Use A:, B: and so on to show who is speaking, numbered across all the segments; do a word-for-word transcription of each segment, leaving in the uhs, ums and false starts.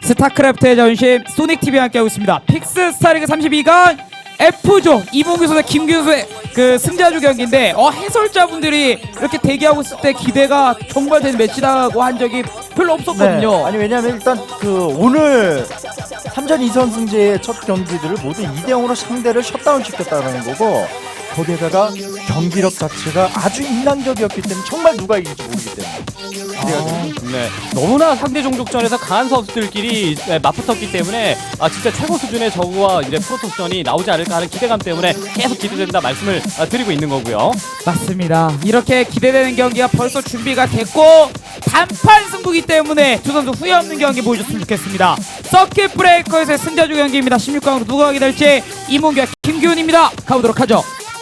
A: 스타크래프트의 자존심 소닉티비와 함께하고 있습니다. 픽스 스타리그 삼십이 강 F조 이봉규 선수 김규현 선수의 그 승자조 경기인데 어 해설자분들이 이렇게 대기하고 있을 때 기대가 정말 되는 매치라고 한 적이 별로 없었거든요.
B: 네. 아니 왜냐면 일단 그 오늘 삼전 이선 승제의 첫 경기들을 모두 이 대 영으로 상대를 셧다운 시켰다는 거고, 거기에다가 경기력 자체가 아주 인상적이었기 때문에 정말 누가 이길지 모르기 때문에 기대가 됩니다.
C: 네, 너무나 상대 종족전에서 강한 선수들끼리 네, 맞붙었기 때문에 아 진짜 최고 수준의 저그와 이제 프로토스전이 나오지 않을까 하는 기대감 때문에 계속 기대된다 말씀을 아, 드리고 있는 거고요.
A: 맞습니다. 이렇게 기대되는 경기가 벌써 준비가 됐고 단판 승부기 때문에 두 선수 후회 없는 경기 보여줬으면 좋겠습니다. 서킷 브레이커에서의 승자조 경기입니다. 십육 강으로 누가 가게 될지 이몽규와 김규훈입니다. 가보도록 하죠.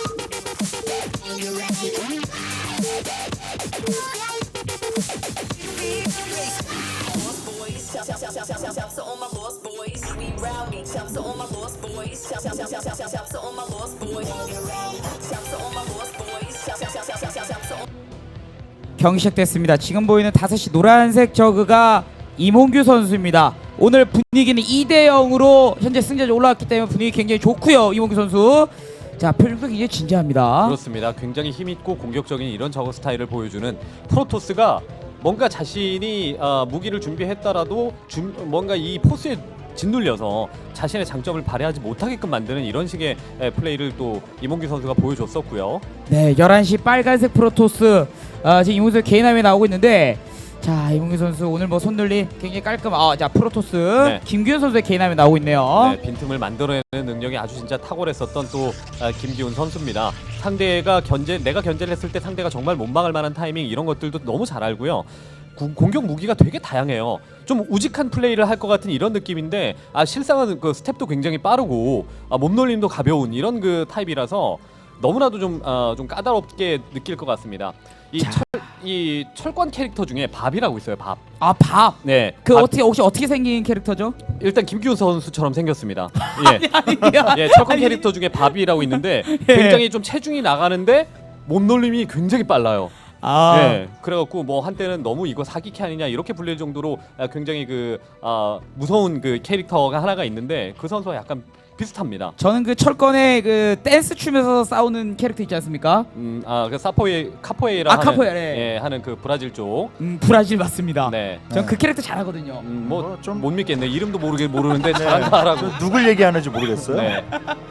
A: 경기 시작됐습니다. 지금 보이는 다섯 시 노란색 저그가 이몽규 선수입니다. 오늘 분위기는 이 대 영으로 현재 승자조 올라왔기 때문에 분위기 굉장히 좋고요. 이몽규 선수. 자, 표정도 굉장히 진지합니다.
C: 그렇습니다. 굉장히 힘있고 공격적인 이런 저그 스타일을 보여주는 프로토스가 뭔가 자신이 어, 무기를 준비했더라도 준, 뭔가 이 포스에 짓눌려서 자신의 장점을 발휘하지 못하게끔 만드는 이런 식의 에, 플레이를 또 이몽규 선수가 보여줬었고요.
A: 네, 열한 시 빨간색 프로토스. 아, 지금 이몽규 선수 개인함에 나오고 있는데, 자, 이몽규 선수 오늘 뭐 손놀림 굉장히 깔끔. 아, 자, 프로토스
C: 네.
A: 김규현 선수의 개인함에 나오고 있네요.
C: 네, 빈틈을 만들어내는 능력이 아주 진짜 탁월했었던 또 아, 김기훈 선수입니다. 상대가 견제, 내가 견제를 했을 때 상대가 정말 못 막을 만한 타이밍 이런 것들도 너무 잘 알고요. 구, 공격 무기가 되게 다양해요. 좀 우직한 플레이를 할 것 같은 이런 느낌인데 아 실상은 그 스텝도 굉장히 빠르고 아, 몸놀림도 가벼운 이런 그 타입이라서 너무나도 좀, 어, 좀 까다롭게 느낄 것 같습니다. 이,
A: 자.
C: 철, 이 철권 캐릭터 중에 밥이라고 있어요. 밥.
A: 아, 밥.
C: 네.
A: 그
C: 밥.
A: 어떻게 혹시 어떻게 생긴 캐릭터죠?
C: 일단 김기훈 선수처럼 생겼습니다. 예.
A: 아니,
C: 예, 철권 캐릭터 중에 밥이라고 있는데
A: 예.
C: 굉장히 좀 체중이 나가는데 몸놀림이 굉장히 빨라요.
A: 아,
C: 예, 그래갖고 뭐 한때는 너무 이거 사기캐 아니냐 이렇게 불릴 정도로 아, 굉장히 그 아, 무서운 그 캐릭터가 하나가 있는데 그 선수와 약간 비슷합니다.
A: 저는 그 철권의 그 댄스 춤에서 싸우는 캐릭터 있지 않습니까?
C: 음, 아, 그 사포에 카포에이라
A: 아,
C: 하는
A: 카포에이라, 예.
C: 예, 하는 그 브라질 쪽.
A: 음, 브라질 맞습니다.
C: 네.
A: 전 그 캐릭터 잘하거든요.
C: 음,
B: 뭐
C: 뭐
B: 좀-
C: 좀 못 믿겠네. 이름도 모르게 모르는데 잘한다라고.
B: 저 누굴 얘기하는지 모르겠어요.
C: 네.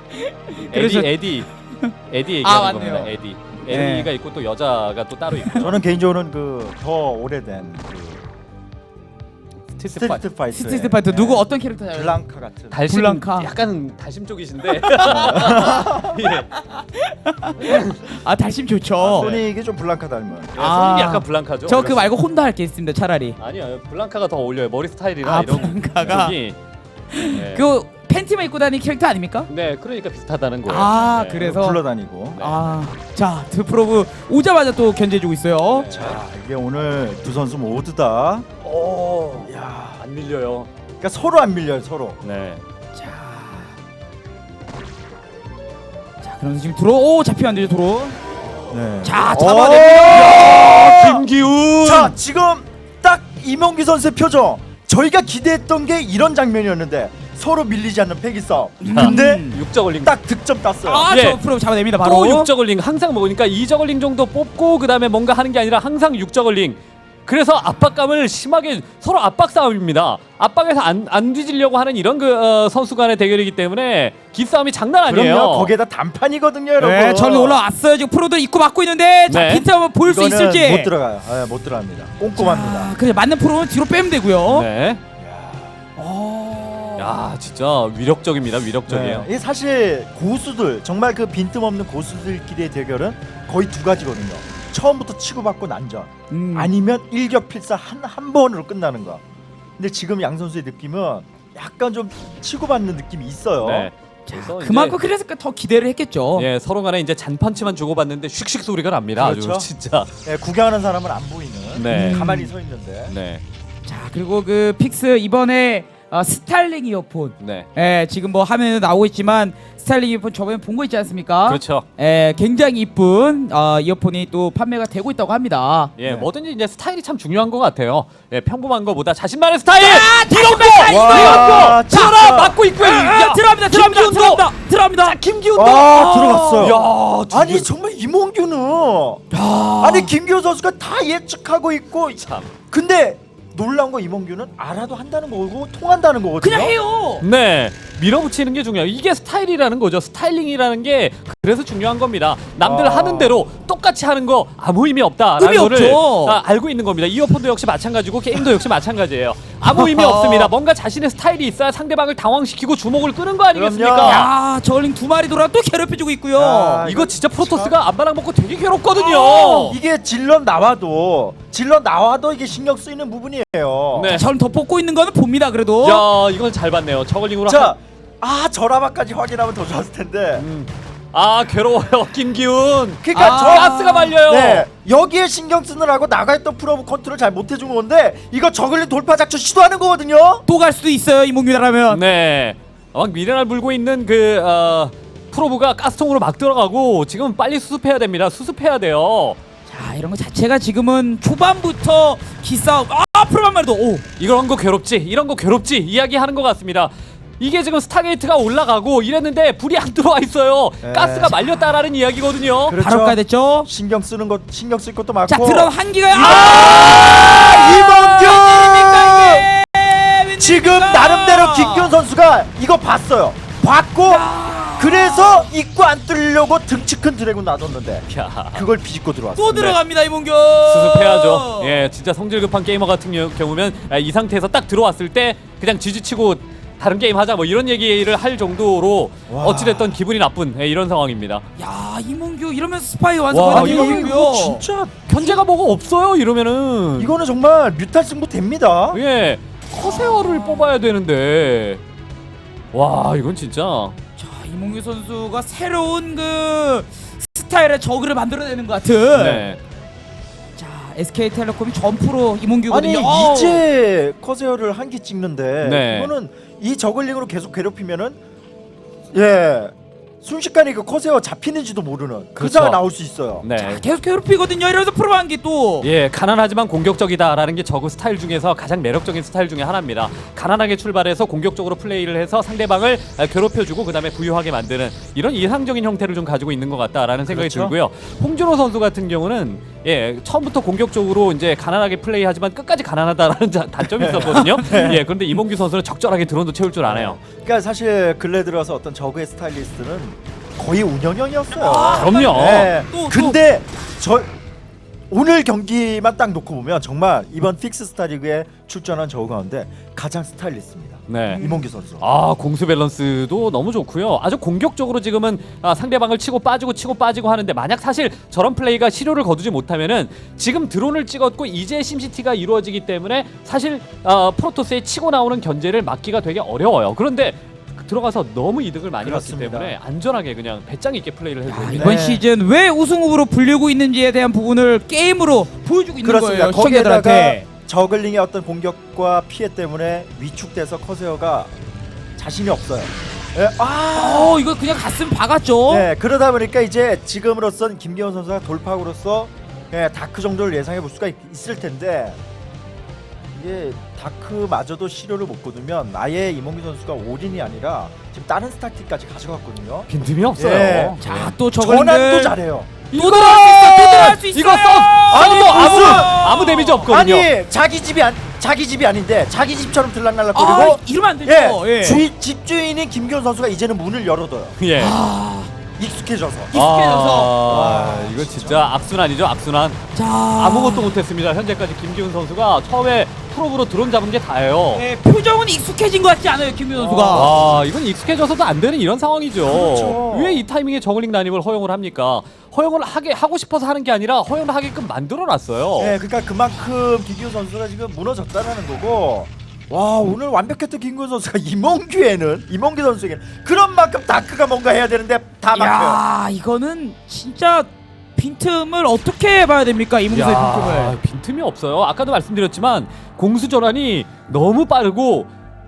A: 그래서-
C: 에디 에디 에디 얘기하는
A: 아, 맞네요.
C: 겁니다. 에디.
A: 네.
C: 에디가 있고 또 여자가 또 따로 있고.
B: 저는 개인적으로는 그 더 오래된 그
C: 스트리트 파이터.
B: 스트리트 파이터,
A: 스트리트 파이터 누구 어떤 캐릭터 잘?
B: 블랑카 같은.
C: 달심
A: 블랑카.
C: 약간 달심 쪽이신데. 예.
A: 아, 달심 좋죠.
C: 아,
B: 소닉이 좀 블랑카 닮은.
A: 아.
C: 손님이 약간 블랑카죠.
A: 저 그 말고 혼다 할 게 있습니다. 차라리.
C: 아니요, 블랑카가 더 어울려요. 머리 스타일이나
A: 아,
C: 이런
A: 블랑카가?
C: 쪽이. 네.
A: 그 팬티만 입고 다니는 캐릭터 아닙니까?
C: 네, 그러니까 비슷하다는 거예요.
A: 아,
C: 네.
A: 그래서
B: 굴러다니고.
A: 아, 자, 드프로브 오자마자 또 견제해주고 있어요.
C: 네.
B: 자, 이게 오늘 두 선수 모두 다,
C: 오,
B: 야,
C: 안 밀려요.
B: 그러니까 서로 안 밀려요, 서로.
C: 네.
A: 자, 자, 그럼 지금 들어, 오, 잡히면 안 되죠, 들어.
B: 네.
A: 자,
B: 오!
A: 잡아냅니다.
C: 김기훈.
B: 자, 지금 딱 이몽규 선수의 표정. 저희가 기대했던 게 이런 장면이었는데 서로 밀리지 않는 패기 싸움. 근데
A: 음.
C: 육저글링.
B: 딱 득점 땄어요.
A: 아,
C: 예.
A: 저 프로 잡아냅니다, 바로.
C: 또 육저글링 항상 먹으니까 이저글링 정도 뽑고 그 다음에 뭔가 하는 게 아니라 항상 육저글링. 그래서 압박감을 심하게 서로 압박 싸움입니다. 압박에서 안, 안 뒤지려고 하는 이런 그 어, 선수 간의 대결이기 때문에 기싸움이 장난 아니에요.
B: 그럼요. 거기에다 단판이거든요, 여러분.
A: 네, 저는 올라왔어요. 지금 프로들 입고 막고 있는데, 자,
C: 네.
A: 빈트 한번 볼 수
B: 이거는
A: 있을지.
B: 못 들어가요. 네, 못 들어갑니다. 꼼꼼합니다.
A: 아, 그래 맞는 프로는 뒤로 빼면 되고요.
C: 네.
A: 어.
C: 야, 진짜 위력적입니다. 위력적이에요.
B: 네. 이게 사실 고수들, 정말 그 빈틈없는 고수들끼리의 대결은 거의 두 가지거든요. 처음부터 치고받고 난전,
A: 음.
B: 아니면 일격필사 한, 한 번으로 끝나는 거. 근데 지금 양 선수의 느낌은 약간 좀 치고받는 느낌이 있어요.
C: 네.
A: 자,
C: 그래서
A: 그만큼
C: 이제-
A: 그래서 더 기대를 했겠죠.
C: 예, 서로 간에 이제 잔펀치만 주고받는데 슉슉 소리가 납니다.
B: 그렇죠.
C: 아주 진짜.
B: 네, 구경하는 사람은 안 보이는.
C: 네.
B: 가만히 서 있는데.
C: 네.
A: 자, 그리고 그 픽스 이번에 어, 스타일링 이어폰.
C: 네.
A: 예, 지금 뭐 화면에 나오고 있지만 스타일링 이어폰 저번에 본 거 있지 않습니까?
C: 그렇죠.
A: 예, 굉장히 이쁜 어, 이어폰이 또 판매가 되고 있다고 합니다.
C: 예,
B: 네.
C: 뭐든지 이제 스타일이 참 중요한 것 같아요. 예, 평범한 것보다 자신만의 스타일.
A: 아,
C: 이런 거.
B: 와,
C: 이런 거.
B: 진짜.
C: 들어라 맞고 있고요.
A: 아,
C: 야,
A: 들어갑니다, 들어갑니다,
C: 김기훈도.
A: 들어갑니다, 들어갑니다.
C: 자, 김기훈도.
B: 아, 들어갔어요.
C: 야, 두
B: 아니
C: 개-
B: 정말 이몽규는 아니 김기훈 선수가 다 예측하고 있고
C: 참.
B: 근데 놀라운 거 이몽규는 알아도 한다는 거고 통한다는 거거든요.
A: 그냥 해요.
C: 네, 밀어붙이는 게 중요해요. 이게 스타일이라는 거죠. 스타일링이라는 게 그래서 중요한 겁니다. 남들
B: 아.
C: 하는 대로 똑같이 하는 거 아무 의미 없다라는
A: 의미
C: 거를
A: 없죠.
C: 아, 알고 있는 겁니다. 이어폰도 역시 마찬가지고 게임도 역시 마찬가지예요. 아무 의미 없습니다. 뭔가 자신의 스타일이 있어야 상대방을 당황시키고 주목을 끄는 거 아니겠습니까?
B: 그럼요.
A: 야, 저글링 두 마리 돌아 또 괴롭혀주고 있고요.
B: 야,
C: 이거 진짜 프로토스가 안바랑 먹고 되게 괴롭거든요.
A: 어.
B: 이게 질럿 나와도 질럿 나와도 이게 신경 쓰이는 부분이에요.
C: 네.
A: 저는 더 뽑고 있는 거는 봅니다. 그래도.
C: 야, 이건 잘 봤네요. 저글링으로
B: 자, 아 저라바까지 확인하면 더 좋았을 텐데.
C: 음. 아, 괴로워요. 김기훈.
B: 그러니까
A: 아,
B: 저
C: 가스가 말려요.
B: 네, 여기에 신경 쓰느라고 나가있던 프로브 컨트롤 잘 못해준 건데 이거 저글링 돌파 작전 시도하는 거거든요.
A: 또 갈 수도 있어요. 이몽규라면.
C: 네. 막 미네랄 물고 있는 그 어, 프로브가 가스통으로 막 들어가고 지금 빨리 수습해야 됩니다. 수습해야 돼요.
A: 자, 이런 거 자체가 지금은 초반부터 기싸움. 아, 프로만 말도 오.
C: 이런 거 괴롭지, 이런 거 괴롭지 이야기하는 것 같습니다. 이게 지금 스타게이트가 올라가고 이랬는데 불이 안 들어와 있어요.
B: 네.
C: 가스가 말렸다라는 이야기거든요.
B: 그렇죠.
A: 바로 가야 됐죠.
B: 신경 쓰는 것 신경 쓸 것도 많고.
A: 자, 들어 한기가
B: 아, 이몽규 지금 나름대로 김기훈 선수가 이거 봤어요. 봤고 그래서 입구 안 뚫으려고 등치 큰 드래곤 놔뒀는데
C: 야,
B: 그걸 비집고 들어왔어.
A: 또 들어갑니다, 이몽규.
C: 수습해야죠. 예, 진짜 성질 급한 게이머 같은 겨- 경우면 아, 이 상태에서 딱 들어왔을 때 그냥 지지치고 다른 게임 하자 뭐 이런 얘기를 할 정도로
B: 와.
C: 어찌됐던 기분이 나쁜 예, 이런 상황입니다.
A: 야, 이몽규 이러면서 스파이
C: 와,
A: 완성하는
C: 이거-
A: 이몽규요.
B: 진짜
C: 견제가 뭐가 없어요 이러면은.
B: 이거는 정말 뮤탈 승부 됩니다.
C: 예, 커세어를 뽑아야 되는데 와 이건 진짜
A: 자, 이몽규 선수가 새로운 그 스타일의 저그를 만들어내는 것 같은.
C: 네.
A: 자, 에스케이텔레콤이 전프로 이몽규거든요.
B: 아니
A: 어우.
B: 이제 커세어를 한 개 찍는데
C: 네.
B: 이거는 이 저글링으로 계속 괴롭히면은 예 순식간에 그 커세어 잡히는지도 모르는 그
C: 그렇죠.
B: 상황 나올 수 있어요.
C: 네.
A: 자, 계속 괴롭히거든요. 이러면서 프로 한기 또.
C: 예, 가난하지만 공격적이다라는 게 저그 스타일 중에서 가장 매력적인 스타일 중에 하나입니다. 가난하게 출발해서 공격적으로 플레이를 해서 상대방을 아, 괴롭혀주고 그다음에 부유하게 만드는 이런 이상적인 형태를 좀 가지고 있는 것 같다라는 생각이
B: 그렇죠.
C: 들고요. 홍준호 선수 같은 경우는 예, 처음부터 공격적으로 이제 가난하게 플레이하지만 끝까지 가난하다라는 자- 단점이 있었거든요. 예, 그런데 이몽규 선수는 적절하게 드론도 채울 줄 아네요.
B: 그러니까 사실 근래 들어서 어떤 저그의 스타일리스트는 거의 운영형이었어요.
A: 아,
C: 그럼요.
B: 네.
A: 또, 또.
B: 근데 저 오늘 경기만 딱 놓고 보면 정말 이번 픽스 스타리그에 출전한 저그 가운데 가장 스타일리스트입니다.
C: 네.
B: 이몽규 선수.
C: 아, 공수 밸런스도 너무 좋고요. 아주 공격적으로 지금은 아, 상대방을 치고 빠지고 치고 빠지고 하는데 만약 사실 저런 플레이가 실효를 거두지 못하면은 지금 드론을 찍었고 이제 심시티가 이루어지기 때문에 사실 아, 프로토스의 치고 나오는 견제를 막기가 되게 어려워요. 그런데 들어가서 너무 이득을 많이
B: 그렇습니다.
C: 봤기 때문에 안전하게 그냥 배짱 있게 플레이를 해도
A: 야,
C: 됩니다.
A: 이번
B: 네.
A: 시즌 왜 우승 후보로 불리고 있는지에 대한 부분을 게임으로 보여주고 있는
B: 그렇습니다.
A: 거예요.
B: 거기에다가
A: 시청자들한테.
B: 저글링의 어떤 공격과 피해 때문에 위축돼서 커세어가 자신이 없어요. 예, 아,
A: 어, 이거 그냥 가슴 박았죠.
B: 네, 그러다 보니까 이제 지금으로선 김기현 선수가 돌파구로서 예, 다크 정도를 예상해 볼 수가 있, 있을 텐데 이게 다크마저도 시료를 못 거두면 아예 이몽규 선수가 올인이 아니라 지금 다른 스타틱까지 가져갔거든요.
C: 빈틈이 없어요.
B: 예.
A: 자, 또
B: 전환도
A: 저글링들
B: 잘해요.
A: 또 들어갈 수 있어. 또 들어갈 수 있어.
C: 이거 써! 아니 뭐 아무
B: 무슨-
C: 아무 데미지 없거든요.
B: 아니 자기 집이 안 자기 집이 아닌데 자기 집처럼
A: 아,
B: 들락날락거리고
A: 이러면 안 되죠.
B: 예,
A: 예.
B: 주인, 집주인인 김기현 선수가 이제는 문을 열어둬요.
C: 예.
A: 아,
B: 익숙해져서.
A: 익숙해져서.
C: 아, 이거 진짜 악순환이죠, 악순환.
A: 자,
C: 아무것도 못했습니다. 현재까지 김기훈 선수가 처음에 프로브로 드론 잡은 게 다예요.
A: 예, 표정은 익숙해진 것 같지 않아요, 김민 선수가.
C: 아, 이건 익숙해져서도 안 되는 이런 상황이죠.
B: 그렇죠.
C: 왜 이 타이밍에 저글링 난입을 허용을 합니까? 허용을 하게 하고 싶어서 하는 게 아니라 허용을 하게끔 만들어놨어요.
B: 네, 그러니까 그만큼 김기현 선수가 지금 무너졌다는 거고. 와, 오늘 완벽했던 김기현 선수가 이몽규에는 이몽규 선수에게는 그런 만큼 다크가 뭔가 해야 되는데 다 막혀요.
A: 야, 이거는 진짜 빈틈을 어떻게 봐야 됩니까, 이몽수의 빈틈을.
C: 빈틈이 없어요. 아까도 말씀드렸지만 공수 전환이 너무 빠르고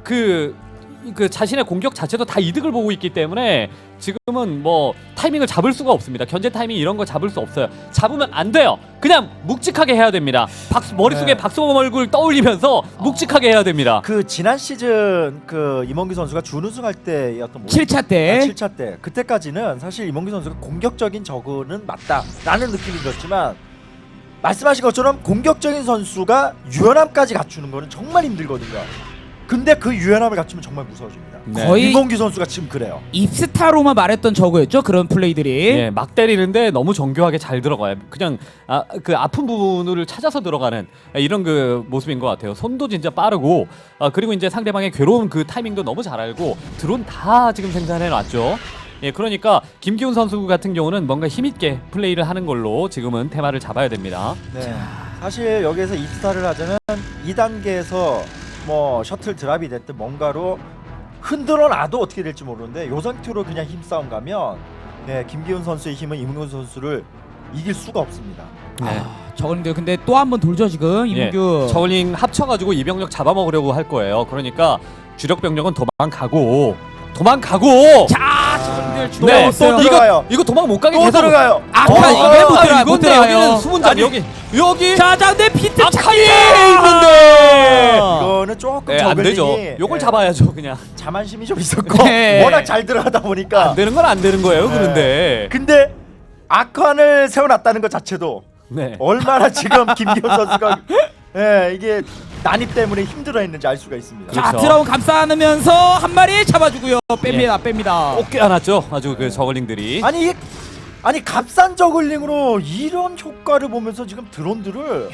C: 그, 그 자신의 공격 자체도 다 이득을 보고 있기 때문에 지금은 뭐 타이밍을 잡을 수가 없습니다. 견제 타이밍 이런 거 잡을 수 없어요. 잡으면 안 돼요. 그냥 묵직하게 해야 됩니다. 박수, 머릿속에
B: 네.
C: 박수범 얼굴 떠올리면서 묵직하게 해야 됩니다.
B: 그 지난 시즌 그 이몽규 선수가 준우승할 때였던 뭐
A: 칠 차 때.
B: 아, 칠 차 때 그때까지는 사실 이몽규 선수가 공격적인 저그는 맞다라는 느낌이 들었지만 말씀하신 것처럼 공격적인 선수가 유연함까지 갖추는 거는 정말 힘들거든요. 근데 그 유연함을 갖추면 정말 무서워집니다.
C: 네.
A: 거의
B: 이몽규 선수가 지금 그래요.
A: 입스타로만 말했던 저거였죠. 그런 플레이들이.
C: 예, 막 때리는데 너무 정교하게 잘 들어가요. 그냥 아, 그 아픈 부분을 찾아서 들어가는 이런 그 모습인 것 같아요. 손도 진짜 빠르고 아, 그리고 이제 상대방의 괴로운 그 타이밍도 너무 잘 알고 드론 다 지금 생산해 놨죠. 예, 그러니까 김기훈 선수 같은 경우는 뭔가 힘있게 플레이를 하는 걸로 지금은 테마를 잡아야 됩니다.
B: 네. 사실 여기에서 입스타를 하자면 이 단계에서 뭐 셔틀 드랍이 됐든 뭔가로 흔들어 놔도 어떻게 될지 모르는데 요 상태로 그냥 힘싸움 가면 네, 김기훈 선수의 힘은 이몽규 선수를 이길 수가 없습니다.
C: 네.
A: 아, 저걸링들 근데 또 한 번 돌죠 지금 이몽규.
C: 예, 저글링 합쳐가지고 이 병력 잡아먹으려고 할 거예요. 그러니까 주력 병력은 도망가고 도망가고.
A: 자, 저걸링들 주도
C: 네,
A: 없어요.
B: 또 들어가요.
C: 이거 이거 도망 못 가게
B: 또
C: 계속
B: 들어가요.
A: 아,
B: 어,
A: 아,
B: 어,
A: 이게 못
B: 어,
A: 들어가요. 못
C: 이건데
A: 들어가요.
C: 여기는 수문장
B: 아니,
C: 여기 여기
A: 자, 자, 근데 비트
C: 아칸이
A: 찾기!
C: 있는데
B: 이거는 조금
C: 네, 안 되죠.
B: 저글링이
C: 요걸
B: 네,
C: 잡아야죠 그냥.
B: 자만심이 좀 있었고
A: 네.
B: 워낙 잘 들어가다 보니까
C: 안 되는 건 안 되는 거예요.
B: 네.
C: 그런데
B: 근데 아칸을 세워놨다는 것 자체도
C: 네.
B: 얼마나 지금 김기훈 선수가 예, 이게 난입 때문에 힘들어했는지 알 수가 있습니다.
A: 자,
C: 그렇죠.
A: 드라운 감싸 안으면서 한 마리 잡아주고요. 뺍니다, 뺍니다.
C: 꼭 껴안았죠. 아주 그 저글링들이.
B: 아니 이게 아니 값싼 저글링으로 이런 효과를 보면서 지금 드론들을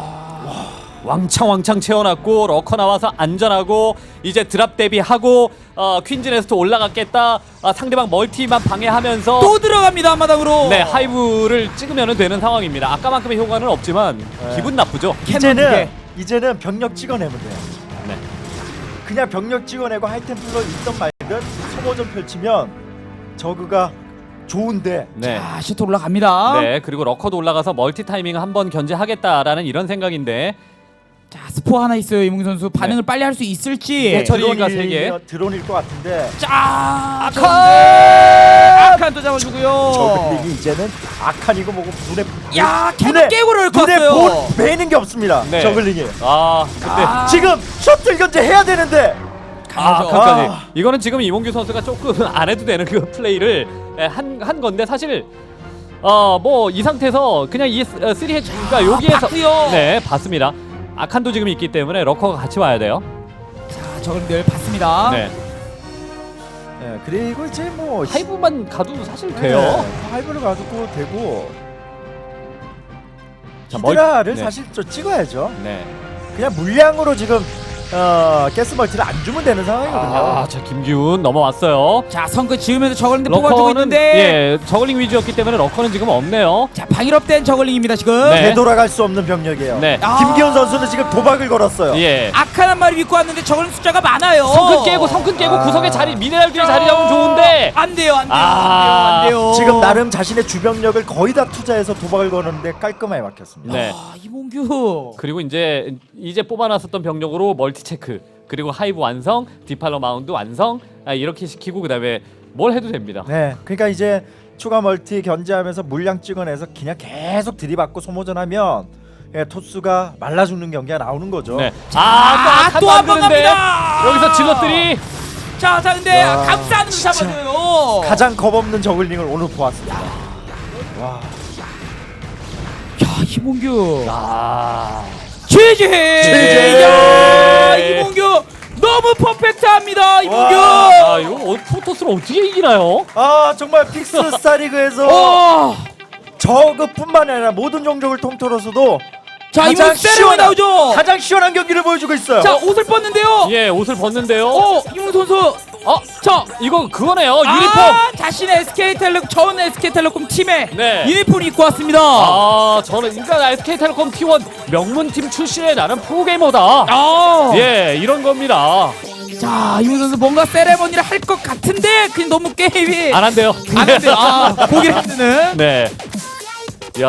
C: 왕창 왕창 채워놨고 러커 나와서 안전하고 이제 드랍 대비하고 어, 퀸즈 네스트 올라갔겠다. 아, 상대방 멀티만 방해하면서
A: 또 들어갑니다 한마당으로.
C: 네 하이브를 찍으면 되는 상황입니다. 아까만큼의 효과는 없지만
B: 네.
C: 기분 나쁘죠.
A: 캐논 두
B: 이제는
A: 개.
B: 이제는 병력 찍어내면 돼요.
C: 네.
B: 그냥 병력 찍어내고 하이템플러 있던 말든 소모전 펼치면 저그가 좋은데
C: 네.
A: 자, 셔틀 올라갑니다.
C: 네 그리고 러커도 올라가서 멀티 타이밍 한번 견제하겠다라는 이런 생각인데
A: 자, 스포 하나 있어요 이몽규 선수. 반응을
C: 네.
A: 빨리 할 수 있을지.
C: 네, 처리가 세 개.
B: 드론일, 드론일 것 같은데
A: 자,
C: 아칸!
A: 아칸 또 잡아주고요.
B: 저글링이 이제는 아칸이고 뭐고 눈에
A: 야,
B: 눈에-
A: 캐논 깨고 넣을 것
B: 눈에
A: 같아요.
B: 보, 매는 게 없습니다.
C: 네.
B: 저글링이
C: 아 근데
A: 아.
B: 지금 셔틀 견제 해야 되는데
C: 아,
A: 강하죠.
C: 아칸까지.
B: 아.
C: 이거는 지금 이몽규 선수가 조금 안 해도 되는 그 플레이를 한, 한 건데 사실 어 뭐 이 상태에서 그냥 이 쓰리 해치 그러니까 여기에서
A: 봤고요.
C: 네 봤습니다. 아칸도 지금 있기 때문에 러커가 같이 와야 돼요.
A: 자, 저걸링들 봤습니다.
C: 네.
B: 네, 그리고 이제 뭐
C: 하이브만 가도 사실
B: 네,
C: 돼요.
B: 하이브를 가도 되고
C: 자, 멀-
B: 히드라를
C: 네.
B: 사실 좀 찍어야죠.
C: 네.
B: 그냥 물량으로 지금 어, 가스 멀티를 안 주면 되는 상황이거든요.
C: 아, 자 김기훈 넘어왔어요.
A: 자, 성크 지으면서 저걸링들 뽑아주고
C: 러커는
A: 있는데.
C: 예 저글링 위주였기 때문에 러커는 지금 없네요.
A: 자, 방일업된 저걸링입니다 지금.
C: 네.
B: 되돌아갈 수 없는 병력이에요.
C: 네.
A: 아.
B: 김기훈 선수는 지금 도박을 걸었어요.
C: 예.
A: 아칸 한 마리 믿고 왔는데 저걸링 숫자가 많아요.
C: 성큰 깨고 성큰 깨고
B: 아.
C: 구석에 자리 미네랄들이 자리 잡으면 좋은데.
A: 안 돼요, 안 돼요,
C: 아.
A: 안 돼요, 안 돼요.
B: 지금 나름 자신의 주병력을 거의 다 투자해서 도박을 거는데 깔끔하게 막혔습니다.
C: 네.
A: 아, 이몽규.
C: 그리고 이제 이제 뽑아놨었던 병력으로 멀티 체크 그리고 하이브 완성, 디팔러 마운드 완성 아, 이렇게 시키고 그다음에 뭘 해도 됩니다.
B: 네, 그러니까 이제 추가 멀티 견제하면서 물량 찍어내서 그냥 계속 들이받고 소모전하면 예, 토스가 말라 죽는 경기가 나오는 거죠.
C: 네.
A: 아,
C: 아,
A: 또 한 번
C: 만드는데
A: 갑니다.
C: 여기서 질럿들이
A: 자, 자, 근데
B: 야,
A: 감싸는
B: 진짜.
A: 잡아줘요.
B: 가장 겁없는 저글링을 오늘 보았습니다. 와,
A: 야, 이몽규.
C: 아,
A: 지지.
B: 지지.
A: 야, 이몽규 너무 퍼펙트합니다, 이몽규.
C: 아 이거 어, 프로토스를 어떻게 이기나요?
B: 아 정말 픽스 스타리그에서
A: 어.
B: 저그뿐만 아니라 모든 종족을 통틀어서도
A: 자,
B: 가장
A: 이몽규 세레머니
B: 시원한-
A: 나오죠.
B: 가장 시원한 경기를 보여주고 있어요.
A: 자, 옷을 벗는데요.
C: 예, 옷을 벗는데요.
A: 어, 이몽규 선수.
C: 어,
A: 자,
C: 이거 그거네요. 유니폼.
A: 아, 자신의 에스케이텔레콤 전 에스케이텔레콤 팀의
C: 네.
A: 유니폼 입고 왔습니다.
C: 아, 저는 그러니까 에스케이텔레콤 티 원 명문팀 출신의 나는 프로게이머다.
A: 아,
C: 예, 이런 겁니다.
A: 자, 이몽규 선수 뭔가 세레머니를 할 것 같은데 그냥 너무 게임이
C: 안 한대요.
A: 안 한대요. 아, 보기를 힘드는.
C: 네. 야,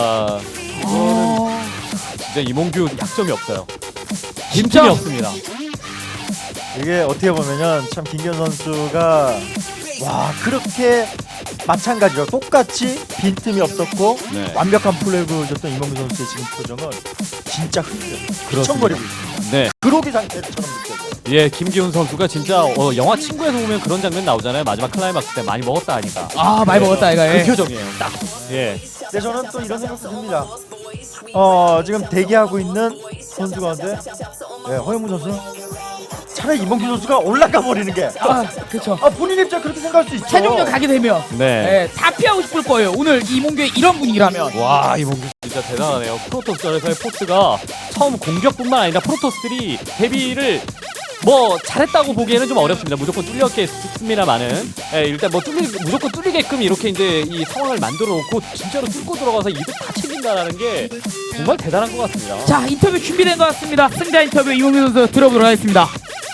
A: 어,
C: 진짜 이몽규 약점이 없어요.
A: 진짜?
C: 빈틈이 없습니다.
B: 이게 어떻게 보면은 참 김기현 선수가 와 그렇게 마찬가지로 똑같이 빈틈이 없었고
C: 네.
B: 완벽한 플레이를 보여줬던 이몽규 선수의 지금 표정은 진짜 흔들려 미천거리고 있습니다.
C: 네.
B: 그로기 상태처럼 느껴져요.
C: 예, 김기훈 선수가 진짜 어, 영화 친구에서 보면 그런 장면 나오잖아요. 마지막 클라이막스 때 많이 먹었다 하니까.
A: 아 많이 먹었다 이거.
C: 그
A: 예.
C: 표정이에요. 딱. 예.
B: 근데 저는 또 이런 생각도 듭니다. 어 지금 대기하고 있는 선수 가운데 네, 허영무 선수 차라리 이몽규 선수가 올라가 버리는 게
A: 아 그렇죠.
B: 아, 본인 입장 그렇게 생각할 수 있죠.
A: 최종전 가게 되면
C: 네.
A: 예, 다 피하고 싶을 거예요. 오늘 이몽규의 이런 분위기라면.
C: 와, 이몽규 진짜 대단하네요. 프로토스전에서의 포스가 처음 공격뿐만 아니라 프로토스들이 데뷔를 뭐 잘했다고 보기에는 좀 어렵습니다. 무조건 뚫렸겠습니다만은 예, 일단 뭐 뚫리 무조건 뚫리게끔 이렇게 이제 이 상황을 만들어 놓고 진짜로 뚫고 들어가서 이득 다 챙긴다라는 게 정말 대단한 것 같습니다.
A: 자 인터뷰 준비된 것 같습니다. 승자 인터뷰 이몽규 선수 들어보도록 하겠습니다.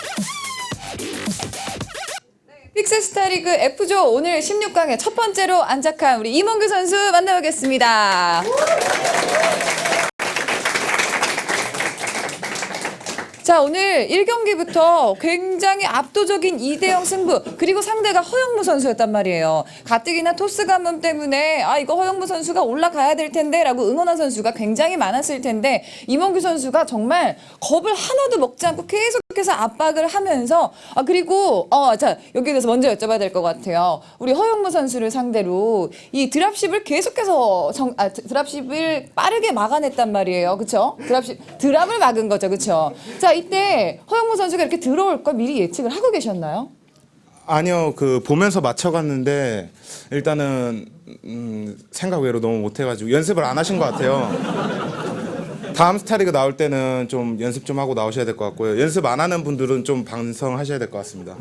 D: 픽스스타리그 F조 오늘 십육 강에 첫 번째로 안착한 우리 이몽규 선수 만나보겠습니다. 자 오늘 일 경기부터 굉장히 압도적인 이 대 영 승부 그리고 상대가 허영무 선수였단 말이에요. 가뜩이나 토스 관문 때문에 아 이거 허영무 선수가 올라가야 될 텐데 라고 응원한 선수가 굉장히 많았을 텐데 이몽규 선수가 정말 겁을 하나도 먹지 않고 계속해서 압박을 하면서 아 그리고 어 자 여기에 대해서 먼저 여쭤봐야 될 것 같아요. 우리 허영무 선수를 상대로 이 드랍십을 계속해서 정, 아 드랍십을 빠르게 막아냈단 말이에요. 그렇죠? 드랍십 드랍을 막은 거죠. 그렇죠? 자 이때 허영무 선수가 이렇게 들어올 걸 미리 예측을 하고 계셨나요?
E: 아니요, 그 보면서 맞춰갔는데 일단은 음, 생각 외로 너무 못해가지고 연습을 안 하신 것 같아요. 다음 스타리그 나올 때는 좀 연습 좀 하고 나오셔야 될 것 같고요. 연습 안 하는 분들은 좀 반성하셔야 될 것 같습니다.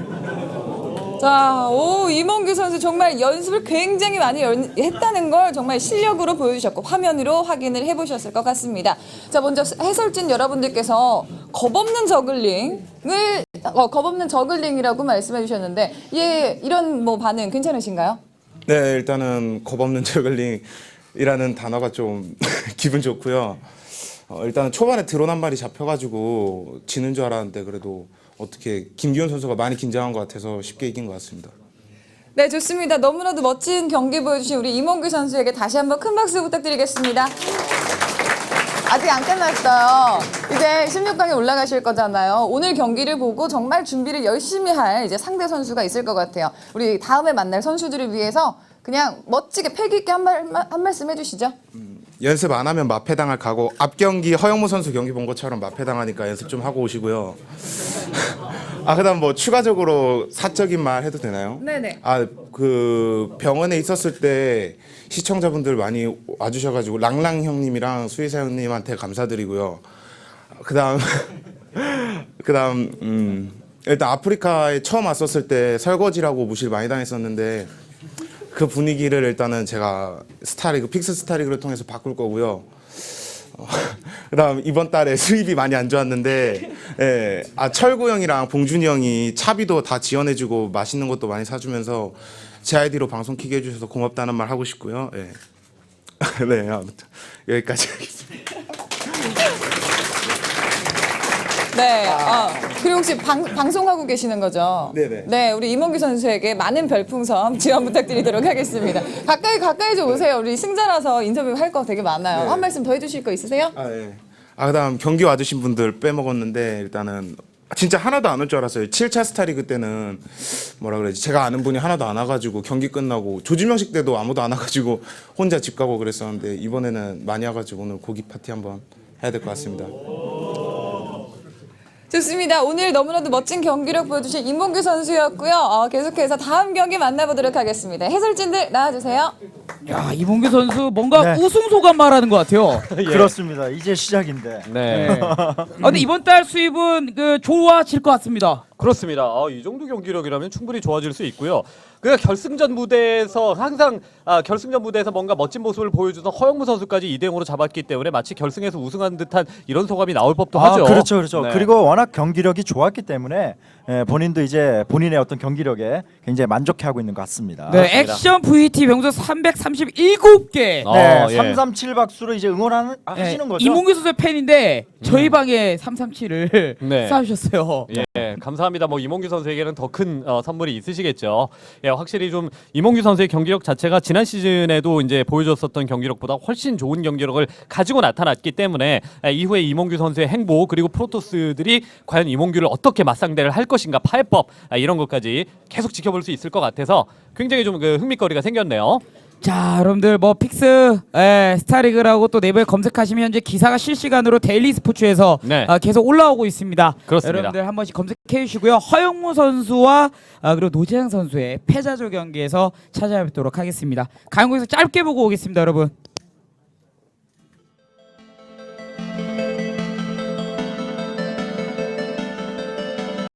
D: 자, 오 이몽규 선수 정말 연습을 굉장히 많이 연, 했다는 걸 정말 실력으로 보여주셨고 화면으로 확인을 해보셨을 것 같습니다. 자, 먼저 해설진 여러분들께서 겁없는 저글링을 어, 겁없는 저글링이라고 말씀해 주셨는데 예, 이런 뭐 반응 괜찮으신가요?
E: 네, 일단은 겁없는 저글링이라는 단어가 좀 기분 좋고요. 어, 일단은 초반에 드론 한 마리 잡혀가지고 지는 줄 알았는데 그래도 어떻게 김기훈 선수가 많이 긴장한 것 같아서 쉽게 이긴 것 같습니다.
D: 네, 좋습니다. 너무나도 멋진 경기 보여주신 우리 이몽규 선수에게 다시 한번 큰 박수 부탁드리겠습니다. 아직 안 끝났어요. 이제 십육 강에 올라가실 거잖아요. 오늘 경기를 보고 정말 준비를 열심히 할 이제 상대 선수가 있을 것 같아요. 우리 다음에 만날 선수들을 위해서 그냥 멋지게 패기 있게 한, 말, 한 말씀 해주시죠.
E: 연습 안 하면 마패당할 각오. 앞 경기 허영무 선수 경기 본 것처럼 마패당하니까 연습 좀 하고 오시고요. 아 그다음 뭐 추가적으로 사적인 말 해도 되나요?
D: 네네.
E: 아 그 병원에 있었을 때 시청자분들 많이 와주셔가지고 랑랑 형님이랑 수의사 형님한테 감사드리고요. 그다음 그다음 음 일단 아프리카에 처음 왔었을 때 설거지라고 무시를 많이 당했었는데. 그 분위기를 일단은 제가 스타리그 픽스 스타리그를 통해서 바꿀 거고요. 어, 그다음 이번 달에 수입이 많이 안 좋았는데, 예, 아 철구 형이랑 봉준이 형이 차비도 다 지원해주고 맛있는 것도 많이 사주면서 제 아이디로 방송 키게 해주셔서 고맙다는 말 하고 싶고요. 예. 네, 아무튼 여기까지 하겠습니다.
D: 네. 어, 그리고 혹시 방, 방송하고 계시는 거죠?
E: 네네.
D: 네, 우리 이몽규 선수에게 많은 별풍선 지원 부탁드리도록 하겠습니다. 가까이 가까이 좀 오세요. 우리 승자라서 인터뷰 할 거 되게 많아요.
E: 네.
D: 한 말씀 더 해주실 거 있으세요?
E: 아 예. 아 그다음 경기 와주신 분들 빼먹었는데 일단은 진짜 하나도 안 올 줄 알았어요. 칠 차 스타리그 때는 뭐라 그래야지 제가 아는 분이 하나도 안 와가지고 경기 끝나고 조지명식 때도 아무도 안 와가지고 혼자 집 가고 그랬었는데 이번에는 많이 와가지고 오늘 고기 파티 한번 해야 될 것 같습니다.
D: 좋습니다. 오늘 너무나도 멋진 경기력 보여주신 이몽규 선수였고요. 어, 계속해서 다음 경기 만나보도록 하겠습니다. 해설진들 나와주세요.
A: 야 이몽규 선수 뭔가
B: 네.
A: 우승 소감 말하는 것 같아요.
B: 그렇습니다. 이제 시작인데.
C: 네.
A: 네. 아, 근데 이번 달 수입은 그 좋아질 것 같습니다.
C: 그렇습니다. 아, 이 정도 경기력이라면 충분히 좋아질 수 있고요. 그러니까 결승전 무대에서 항상 아, 결승전 무대에서 뭔가 멋진 모습을 보여주던 허영무 선수까지 이 대 영으로 잡았기 때문에 마치 결승에서 우승한 듯한 이런 소감이 나올 법도
B: 아,
C: 하죠.
B: 그렇죠, 그렇죠.
C: 네.
B: 그리고 워낙 경기력이 좋았기 때문에 예, 본인도 이제 본인의 어떤 경기력에 굉장히 만족해하고 있는 것 같습니다.
A: 네,
C: 그렇습니다.
A: 액션 브이티 병사 삼백삼십칠 개.
C: 어,
B: 네,
C: 예.
B: 삼삼칠 박수로 이제 응원하는 아,
A: 네,
B: 하시는 거죠?
A: 이몽규 선수의 팬인데 저희 방에 삼삼칠을
C: 네.
A: 쌓으셨어요.
C: 예. 예, 감사합니다. 뭐 이몽규 선수에게는 더 큰 어, 선물이 있으시겠죠. 예, 확실히 좀 이몽규 선수의 경기력 자체가 지난 시즌에도 이제 보여줬었던 경기력보다 훨씬 좋은 경기력을 가지고 나타났기 때문에 예, 이후에 이몽규 선수의 행보 그리고 프로토스들이 과연 이몽규를 어떻게 맞상대를 할 것인가 파해법 아, 이런 것까지 계속 지켜볼 수 있을 것 같아서 굉장히 좀 그 흥미거리가 생겼네요.
A: 자, 여러분들 뭐 픽스 에, 스타리그라고 또 네이버에 검색하시면 현재 기사가 실시간으로 데일리 스포츠에서
C: 네.
A: 아, 계속 올라오고 있습니다.
C: 그렇습니다.
A: 여러분들 한 번씩 검색해 주시고요. 허영무 선수와 아, 그리고 노재영 선수의 패자조 경기에서 찾아뵙도록 하겠습니다. 강국에서 짧게 보고 오겠습니다, 여러분.